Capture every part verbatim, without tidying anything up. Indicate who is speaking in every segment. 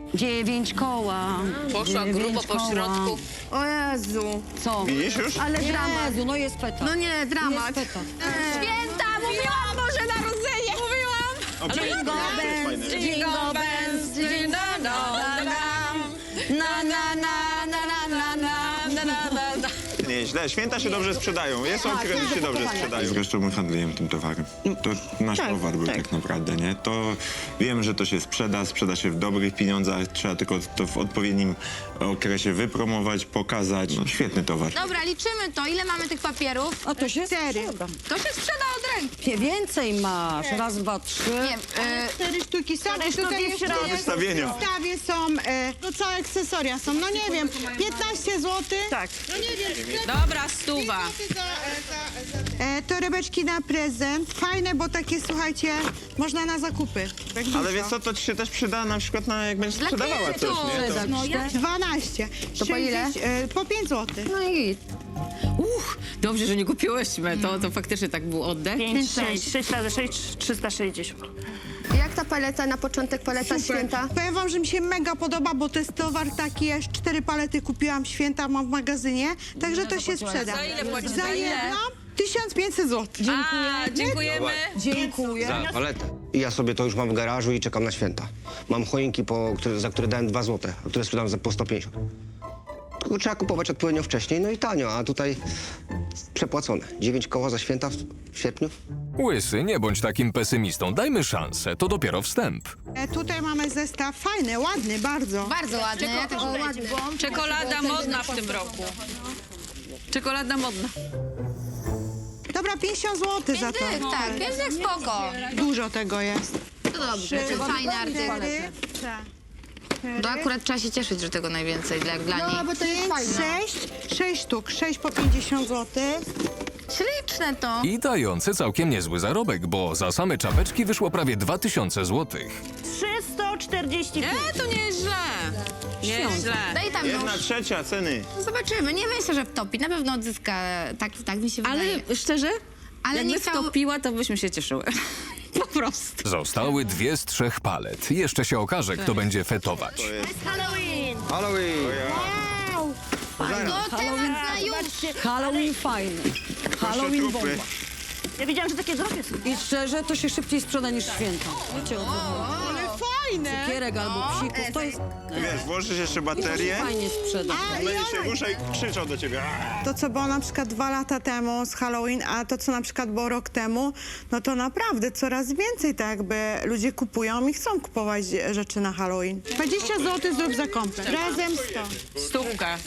Speaker 1: Dziewięć koła.
Speaker 2: Poszła
Speaker 1: dziewięć
Speaker 2: grubo po
Speaker 1: koła.
Speaker 2: środku.
Speaker 3: O Jezu.
Speaker 1: Co?
Speaker 4: Widzisz już?
Speaker 3: Ale dramat.
Speaker 1: Jezu, no jest peta.
Speaker 3: No nie, dramat.
Speaker 1: Jest peta.
Speaker 3: Święta, mówiłam, Boże Narodzenie. Mówiłam.
Speaker 4: O, czekaj,
Speaker 1: Jingle
Speaker 4: to jest fajne.
Speaker 1: bells, jingle bells, jingle na na na na na na na na na.
Speaker 4: Nieźle, święta się dobrze sprzedają. Jest
Speaker 1: Tak,
Speaker 4: okres, że się dobrze sprzedają. Zresztą my handlujemy tym towarem. To nasz towar był tak. naprawdę, nie? To wiem, że to się sprzeda, sprzeda się w dobrych pieniądzach. Trzeba tylko to w odpowiednim okresie wypromować, pokazać. No, świetny towar.
Speaker 3: Dobra, liczymy to. Ile mamy tych papierów?
Speaker 1: A to się
Speaker 3: Cztery.
Speaker 1: sprzeda.
Speaker 3: To się sprzeda od ręki.
Speaker 1: Więcej masz. Raz, dwa, trzy.
Speaker 3: Nie, e,
Speaker 5: Cztery sztuki są, i tutaj jeszcze
Speaker 4: Do wystawienia.
Speaker 5: w zestawie są, e, no całe akcesoria są, no nie wiem, piętnaście złotych.
Speaker 2: Tak.
Speaker 5: No nie wiem, sklep
Speaker 2: Dobra, stuwa.
Speaker 5: za, za, za, e, torebeczki na prezent, fajne, bo takie, słuchajcie, można na zakupy. Tak
Speaker 4: Ale
Speaker 5: dużo.
Speaker 4: wiesz co, to ci się też przyda na przykład na jak będziesz
Speaker 3: Dla
Speaker 4: sprzedawała coś,
Speaker 3: klientów.
Speaker 4: nie? To...
Speaker 1: No, ja...
Speaker 5: dwanaście.
Speaker 3: To po ile?
Speaker 5: sześćdziesiąt, E, po pięć złotych.
Speaker 3: no i
Speaker 2: Uch, dobrze, że nie kupiłyśmy. To, to faktycznie tak był oddech.
Speaker 6: pięć, sześć, sześć razy sześć, trzysta sześćdziesiąt.
Speaker 3: jak ta paleta na początek, paleta święta?
Speaker 5: Powiem wam, że mi się mega podoba, bo to jest towar taki, aż cztery palety kupiłam święta, mam w magazynie, także to się sprzeda.
Speaker 2: Za ile płacisz?
Speaker 5: Za
Speaker 2: Za ile?
Speaker 5: jedno tysiąc pięćset złotych.
Speaker 2: A, dziękujemy.
Speaker 1: Dziękuję.
Speaker 7: Za paletę. I ja sobie to już mam w garażu i czekam na święta. Mam choinki, po, które, za które dałem dwa złote, a które sprzedam za po sto pięćdziesiąt. Tylko trzeba kupować odpowiednio wcześniej, no i tanio, a tutaj przepłacone. dziewięć koła za święta w, w sierpniu.
Speaker 8: Łysy, nie bądź takim pesymistą. Dajmy szansę, to dopiero wstęp.
Speaker 5: E, tutaj mamy zestaw fajny, ładny, bardzo.
Speaker 3: Bardzo ładny. Ja też ładny.
Speaker 2: Czekolada modna w tym roku. Czekolada modna.
Speaker 5: Dobra, pięćdziesiąt złotych za to.
Speaker 3: Pięć dych, tak, pięć dych spoko.
Speaker 5: Dużo tego jest.
Speaker 3: To dobrze, to fajny artykuł.
Speaker 5: Tak.
Speaker 3: To akurat trzeba się cieszyć, że tego najwięcej dla, dla niej.
Speaker 5: bo to jest sześć, sześć sztuk, sześć po pięćdziesiąt złotych.
Speaker 3: Śliczne to.
Speaker 8: I dający całkiem niezły zarobek, bo za same czapeczki wyszło prawie dwa tysiące złotych.
Speaker 6: trzysta czterdzieści pięć.
Speaker 2: E, to nie jest źle. Nie jest źle.
Speaker 3: Daj tam
Speaker 4: Jedna
Speaker 3: nóż.
Speaker 4: trzecia ceny.
Speaker 3: Zobaczymy. Nie myślę, że wtopi. Na pewno odzyska. Tak, tak mi się wydaje.
Speaker 2: Ale szczerze,
Speaker 3: Ale
Speaker 2: jakby
Speaker 3: nie chciał-
Speaker 2: wtopiła, to byśmy się cieszyły. Po prostu.
Speaker 8: Zostały dwie z trzech palet. Jeszcze się okaże, kto będzie fetować.
Speaker 6: Halloween!
Speaker 7: Halloween!
Speaker 3: To teraz na już.
Speaker 1: Halloween fajny. Halloween bomba.
Speaker 4: trupy.
Speaker 6: Ja wiedziałam, że takie drogie są.
Speaker 1: I szczerze, to się szybciej sprzeda niż święta. Wiecie o co chodzi?
Speaker 5: Ale fajne.
Speaker 1: Kierek albo psików, to jest...
Speaker 4: Wiesz, włożysz jeszcze baterię,
Speaker 1: Fajnie sprzeda.
Speaker 4: będzie się rusza i krzyczą do ciebie. Aaa!
Speaker 5: To, co było na przykład dwa lata temu z Halloween, a to, co na przykład było rok temu, no to naprawdę coraz więcej tak jakby ludzie kupują i chcą kupować rzeczy na Halloween. dwadzieścia złotych zrób zakąpę. Razem sto.
Speaker 2: Stówka.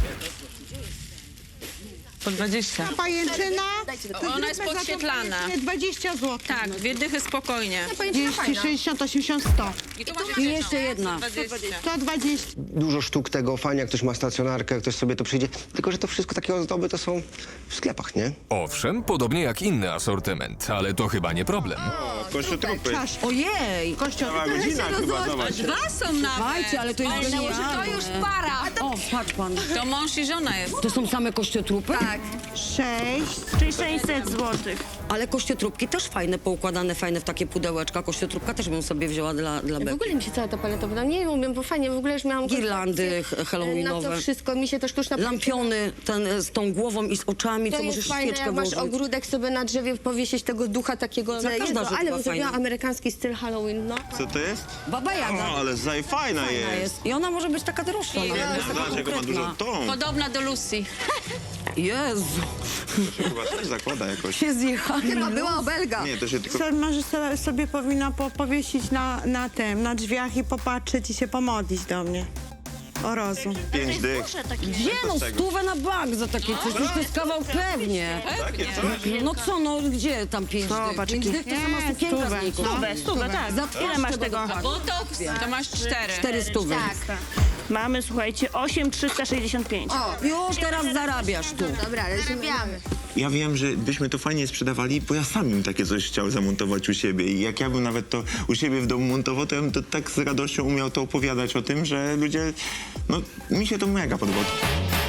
Speaker 2: Po dwadzieścia.
Speaker 5: Pajęczyna. to
Speaker 2: Ona jest
Speaker 5: zróbmy za to
Speaker 2: podświetlana.
Speaker 5: pajęczynę dwadzieścia złotych.
Speaker 2: Tak, dwie dychy spokojnie.
Speaker 5: trzydzieści, sześćdziesiąt, osiemdziesiąt, sto.
Speaker 2: I tu masz
Speaker 1: I jeszcze jedna.
Speaker 2: dwadzieścia.
Speaker 5: sto dwadzieścia.
Speaker 7: Dużo sztuk tego, fajnie, jak ktoś ma stacjonarkę, jak ktoś sobie to przyjdzie. Tylko, że to wszystko takie ozdoby to są w sklepach, nie?
Speaker 8: Owszem, podobnie jak inny asortyment, ale to chyba nie problem.
Speaker 4: O, kościotrupy.
Speaker 5: Czasz.
Speaker 1: Ojej!
Speaker 4: Cała godzina chyba, zobacz.
Speaker 2: Dwa są nawet.
Speaker 1: Słuchajcie, ale to jest genialne.
Speaker 3: To już para.
Speaker 1: O, patrz pan.
Speaker 2: To mąż i żona jest.
Speaker 1: To są same kościotrupy?
Speaker 3: Tak.
Speaker 5: sześć.
Speaker 6: Czyli sześćset złotych.
Speaker 1: Ale kościotrupki też fajne, poukładane, fajne w takie pudełeczka. Kościotrupka też bym sobie wzięła dla, dla
Speaker 3: W
Speaker 1: Beki.
Speaker 3: ogóle mi się cała ta paleta podoba. Nie umiem, bo fajnie, w ogóle już miałam...
Speaker 1: Girlandy
Speaker 3: koncepcję,
Speaker 1: halloweenowe.
Speaker 3: Na to wszystko, mi się to sztuczna...
Speaker 1: Lampiony ten, e, z tą głową i z oczami,
Speaker 3: To
Speaker 1: co
Speaker 3: jest
Speaker 1: możesz
Speaker 3: fajne,
Speaker 1: świeczkę
Speaker 3: jak masz
Speaker 1: włożyć.
Speaker 3: ogródek sobie na drzewie, powiesić tego ducha takiego
Speaker 1: Za każda
Speaker 3: jego,
Speaker 1: rzecz
Speaker 3: ale
Speaker 1: była
Speaker 3: bym zrobiła
Speaker 1: fajna.
Speaker 3: amerykański styl Halloween, no.
Speaker 4: Co to jest?
Speaker 1: Baba Jaga.
Speaker 4: O, ale zaj fajna
Speaker 1: Fajna
Speaker 4: jest.
Speaker 1: jest. I ona może być taka droższa nawet, bo jest taka
Speaker 4: Zobacz, jak ma dużo
Speaker 1: konkretna.
Speaker 4: tą.
Speaker 2: Podobna do Lucy.
Speaker 1: Jezu,
Speaker 4: To się chyba też zakłada jakoś.
Speaker 1: się zjechali.
Speaker 3: Chyba była obelga.
Speaker 4: Nie, to się tylko...
Speaker 5: Co, może so- sobie powinna po, powiesić na, na tym, na drzwiach i popatrzeć i się pomodlić do mnie. O rozum.
Speaker 4: Pięć dych.
Speaker 1: Gdzie no, stówę na bank za takie coś, już to jest kawał pewnie.
Speaker 4: Takie coś?
Speaker 1: No co, no gdzie tam pięć dych? Pięć dych to sama
Speaker 5: Nie,
Speaker 1: sukienka
Speaker 5: stówę.
Speaker 1: znikła.
Speaker 6: Stówę, stówę, tak.
Speaker 1: Za
Speaker 6: Ile masz
Speaker 1: czego
Speaker 6: tego?
Speaker 1: dokładnie?
Speaker 2: Botox, to masz cztery.
Speaker 1: Cztery stówy.
Speaker 3: Tak.
Speaker 6: Mamy, słuchajcie, osiem trzysta sześćdziesiąt pięć.
Speaker 1: Już teraz zarabiasz tu.
Speaker 3: Dobra, ale zarabiamy.
Speaker 4: Ja wiem, że byśmy to fajnie sprzedawali, bo ja sam bym takie coś chciał zamontować u siebie. I jak ja bym nawet to u siebie w domu montował, to ja bym to tak z radością umiał to opowiadać o tym, że ludzie... No, mi się to mega podobało.